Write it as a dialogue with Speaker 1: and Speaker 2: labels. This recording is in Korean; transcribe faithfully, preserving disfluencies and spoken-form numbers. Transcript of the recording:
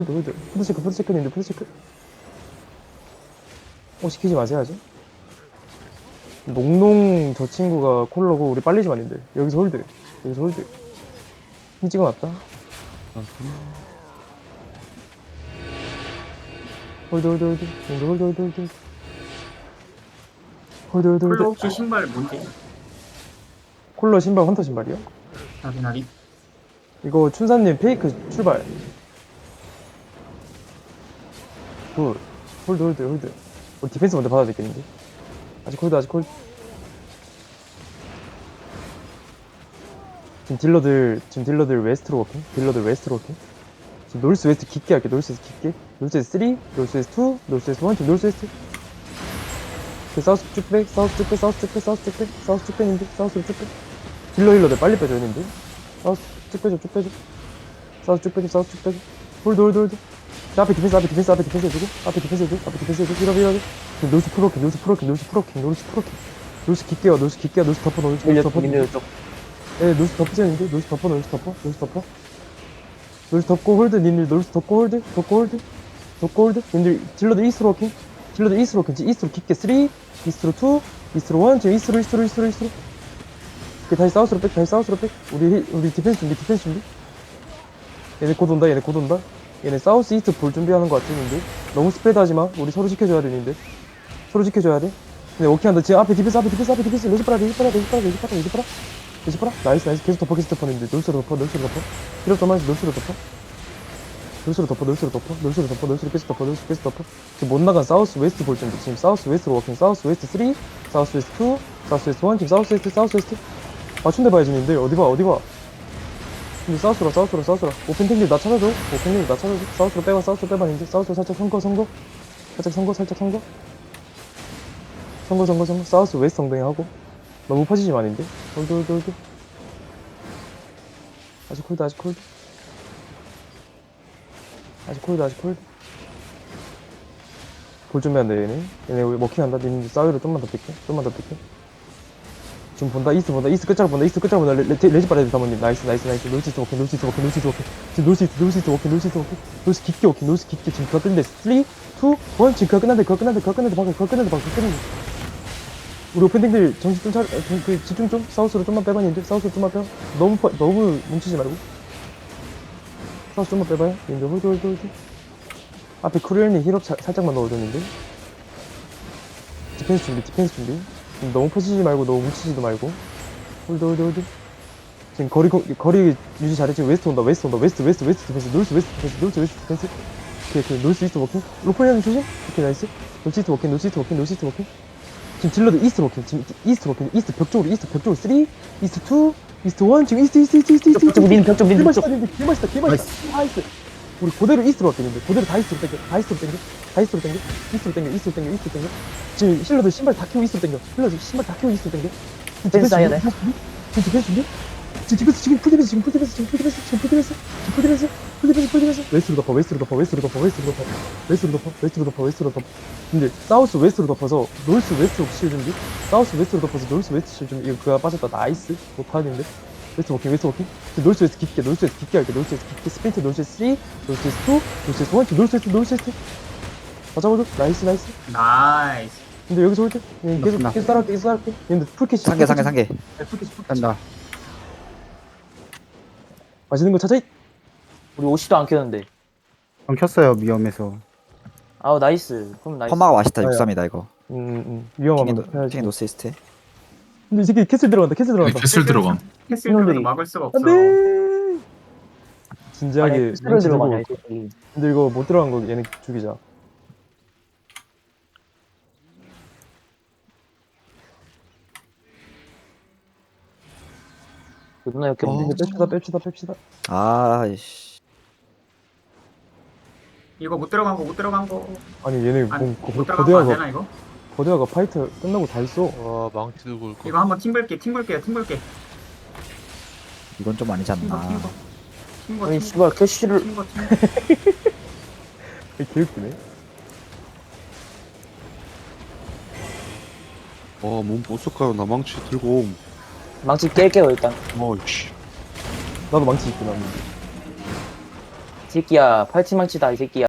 Speaker 1: 홀드 홀드 푸드체크 푸드체크님들 푸드체크. 어 시키지 마세요지. 농농 저 친구가 콜러고 우리 빨리 좀 아닌데 여기서 홀드 여기서 홀드 힘 찍어놨다. 홀드 홀드 홀드 홀드 홀드 홀드 홀드 홀드 홀드
Speaker 2: 콜로
Speaker 1: 홀드.
Speaker 2: 혹시 신발 뭔지
Speaker 1: 콜러 신발 헌터 신발이요?
Speaker 2: 확인하기.
Speaker 1: 이거 춘사님 페이크 출발. 굿. 홀드 홀드 홀드. 우리 디펜스 먼저 받아야 되겠는데. 아직 홀드 아직 홀드. 지금 딜러들 지금 딜러들 웨스트로 워킹. 딜러들 웨스트로 워킹. 지금 노스 웨스트 깊게 할게. 노스 웨스트 깊게. 노스 웨스트 삼, 노스 웨스트 이, 노스 웨스트 일, 지금 노스 웨스트. 그 사우스 쭉 백, 사우스 쭉 백, 사우스 쭉 백, 사우스 쭉 백, 사우스 쭉 백인데, 사우스로 쭉 백. 딜러 힐러들 빨리 빼줘 했는데. 사우스 쭉 빼줘, 쭉 빼줘. 사우스 쭉 빼줘, 사우스 쭉 빼줘. 홀드 홀드 홀드. 자, 앞에 디펜스, 앞에 디펜스, 앞에 디펜스 해주고, 앞에 디펜스 해주고, 앞에 디펜스 해주고, 이러고, 이러고. 노스 프로킹, 노스 프로킹, 노스 프로킹, 노스 프로킹. 노스 깊게 와, 노스 깊게 와, 노스 덮어, 노스 덮어, 덮어. 예, 노스 덮으셨는데, 노스 덮어, 노스 덮어, 노스 덮어. 노스 덮고 홀드, 님들 노스 덮고 홀드, 덮고 홀드, 덮고 홀드. 님들 딜러들 이스트로 워킹, 딜러들 이스트로 워킹, 이스트로 깊게 삼, 이스트로 이, 이스트로 일, 지금 이스트로, 이스트로, 이스트로, 이스트로. 그 다시 사우스로 백, 다시 사우스로 백. 우리 힐- 우리 디펜스 준비, 디펜스 준비. 얘네 곧 온다, 얘네 곧 온다. 얘네 사우스 이스트 볼 준비하는 거 같은데. 너무 스프레드 하지 마. 우리 서로 지켜줘야 되는데. 서로 지켜줘야 돼. 근데 오케이한다. 지금 앞에 디펜스, 앞에 디펜스, 앞에 디펜스. 레지 빨아, 레지 빨아, 레지 빨아, 레지 빨아, 레지 빨아. 레지 빨아. 나이스, 나이스. 계속 덮어, 계속 덮어는데. 놀수로 덮어, 놀수로 덮어. 필요 없단 말이지, 놀수로 덮어. 놀수로 덮어, 놀수로 덮어, 놀수로 덮어, 놀수로 계속 덮어, 놀수로 계속 덮어. 지금 못 나간 사우스 웨스트 볼 준비. 지금 사우스 웨스트로 워킹, 사우스 웨스트 삼, 사우스 웨스트 이, 사우스 웨스트 일, 지금 사우스 웨스트, 사우스 웨스트. 맞춘데 봐야지, 님들. 어디 봐, 어디 봐. 근데 사우스로, 사우스로, 사우스로. 오펜탱들 나 찾아줘. 오펜탱들 나 찾아줘. 사우스로 빼봐, 사우스로 빼봐, 님들. 사우스로 살짝 선거, 선거. 살짝 선거, 살짝 선거. 선거, 선거, 선거. 사우스 웨스트 엉덩이 하고. 너무 퍼지지 마는데. 홀드, 홀드, 홀드. 아직 홀드, 아직 홀드. 아직 홀드, 아직 홀드. 볼 준비한다, 얘네. 얘네 우리 먹히한다. 니네 사이로 좀만 더 뺄게. 좀만 더 뺄게. 지금 본다. 이스트 본다. 이스트 끝자락 본다. 이스트 끝자락 본다. 레, 레, 레지 빨아야 돼, 사모님. 나이스, 나이스, 나이스. 노스이스트 워킹, 노스이스트 워킹, 노스이스트 워킹. 지금 노스이스트, 노스이스트 워킹, 노스이스트 워킹. 노스 깊게 워킹, 노스 깊게. 지금 그거 끝는데. 삼, 이, 일. 지금 그거 끝난데, 그거 끝난데, 그거 끝난데, 방금 그거 끝난데, 방금 그거 끝난데. 우리 오펜딩들 정신 좀 차려, 아, 좀, 그, 집중 좀. 사우스로 좀만 빼봐, 님들. 사우스로 좀만 빼봐. 너무, 퍼, 너무 뭉치지 말고. 사우스 좀만 빼봐요. 님들 홀드, 홀드, 홀드. 앞에 크루엘님 힐업 사, 살짝만 넣어줬는데. 디펜스 준비, 디펜스 준비. 지금 너무 퍼지지 말고, 너무 뭉치지도 말고. 홀드, 홀드, 홀드. 지금 거리, 거- 거리 유지 잘해. 지금 웨스트 온다, 웨스트 온다, 웨스트, 웨스트, 웨스트 디펜스, 노스 웨스트 디펜스, 노스 웨스트 디펜스. 오케이, 오케이, 노스 이스트 워킹. 로폴리아는 조심. 오케이, 나이스. 노스 이스트 워킹, 노스 이스트 워킹, 노스 이스트 워킹. 지금 딜러드 이스트 워킹, 지금 이스트 워킹, 이스트 벽 쪽으로, 이스트 벽 쪽으로. 삼, 이스트 이, 이스트 일, 지금 이스트, 이스트, 이스트, 이스트, 이스트.
Speaker 3: 벽 쪽, 민, 벽 쪽, 민, 벽 쪽.
Speaker 1: 개맛있다, 개맛있다, 개맛있다. 나이스. 우리 그대로 이스트로 왔겠는데. 그대로 다 이스트로 땡겨, 다 이스트로 땡겨, 다 이스트로 땡겨, 이스트로 땡겨, 이스트로 땡겨, 이스트로 땡겨. 지금 힐러들 신발 다 키고 이스트로 땡겨. 힐러들 신발 다 키고 이스트로 땡겨. 지금
Speaker 3: 디펜스 해야 돼.
Speaker 1: 지금 디펜스 준비? 지금 디펜스, 지금 풀디펜스, 지금 풀디펜스, 지금 풀디펜스, 지금 풀디펜스, 지금 풀디펜스, 풀디펜스, 풀디펜스. 웨스트로 덮어, 웨스트로 덮어, 웨스트로 덮어, 웨스트로 덮어, 웨스트로 덮어, 웨스트로 덮어, 웨스트로 덮어. 근데 사우스 웨스트로 덮어서 노스 웨스트로 실 준비? 사우스 웨스트로 덮어서 노스 웨스트 실 준비. 이거 그가 빠졌다. 나이스. 못하는데. 웨스트 워킹, 웨스트 워킹. 노스 웨스트 깊게, 노스 웨스트 깊게 할게. 노스 웨스트 깊게. 스프린트 노스 웨스트 삼, 노스 웨스트 이, 노스 웨스트 일, 노스 웨스트, 노스 웨스트. 다 잡아줘. 나이스, 나이스.
Speaker 2: 나이스.
Speaker 1: 근데 여기서 올 때, 계속,
Speaker 3: 맞습니다.
Speaker 1: 계속 따라갈게, 계속 따라갈게. 근데 풀캐치.
Speaker 3: 상계, 상계, 상계.
Speaker 1: 네, 풀캐치, 풀캐치.
Speaker 3: 간다.
Speaker 1: 맛있는 거 찾아.
Speaker 4: 우리 오시도 안 켰는데.
Speaker 5: 안 켰어요 위험해서.
Speaker 4: 아우 나이스. 그럼 나이스.
Speaker 3: 펌마가 맛있다.
Speaker 1: 아야.
Speaker 3: 육삼이다 이거.
Speaker 1: 음, 음.
Speaker 3: 킹이
Speaker 1: 위험하면
Speaker 3: 노-
Speaker 1: 해야지.
Speaker 3: 킹이 노스이스트.
Speaker 1: 근데 이 새끼 캐슬 들어간다, 캐슬
Speaker 6: 네,
Speaker 1: 들어간다.
Speaker 6: 캐슬 들어감.
Speaker 2: 캐슬들도 막을 수가 없어.
Speaker 1: 안 돼! 진지하게
Speaker 4: 아니 스를
Speaker 1: 눈치
Speaker 4: 들어가냐 이
Speaker 1: 들고.
Speaker 4: 새끼.
Speaker 1: 근데 이거 못 들어간 거 얘네 죽이자.
Speaker 4: 그 누나 이렇게
Speaker 1: 어,
Speaker 4: 없네.
Speaker 1: 뺍시다, 뺍시다, 뺍시다.
Speaker 3: 아이씨.
Speaker 2: 이거 못 들어간 거 못 들어간 거.
Speaker 1: 아니 얘네
Speaker 2: 아니,
Speaker 1: 뭐
Speaker 2: 못
Speaker 1: 거,
Speaker 2: 들어간 거 안
Speaker 1: 거대화가
Speaker 2: 되나 이거?
Speaker 1: 거대화가 파이트 끝나고 다 있어.
Speaker 7: 와 망치 들고 올 거.
Speaker 2: 이거 한번 팀 볼게. 팀 볼게요. 팀 볼게.
Speaker 3: 이건 좀 아니지
Speaker 2: 팀 거, 팀
Speaker 3: 않나.
Speaker 2: 거. 팀 거,
Speaker 4: 아니
Speaker 2: 팀
Speaker 4: 씨발 캐시를
Speaker 2: 거, 팀 거, 팀 거.
Speaker 1: 개웃기네.
Speaker 7: 어몸 어떡해요 나 망치 들고 옴.
Speaker 4: 망치 깰게요 일단.
Speaker 7: 어이씨.
Speaker 1: 나도 망치 있고 나는.
Speaker 4: 새끼야 팔찌망치다 이 새끼야.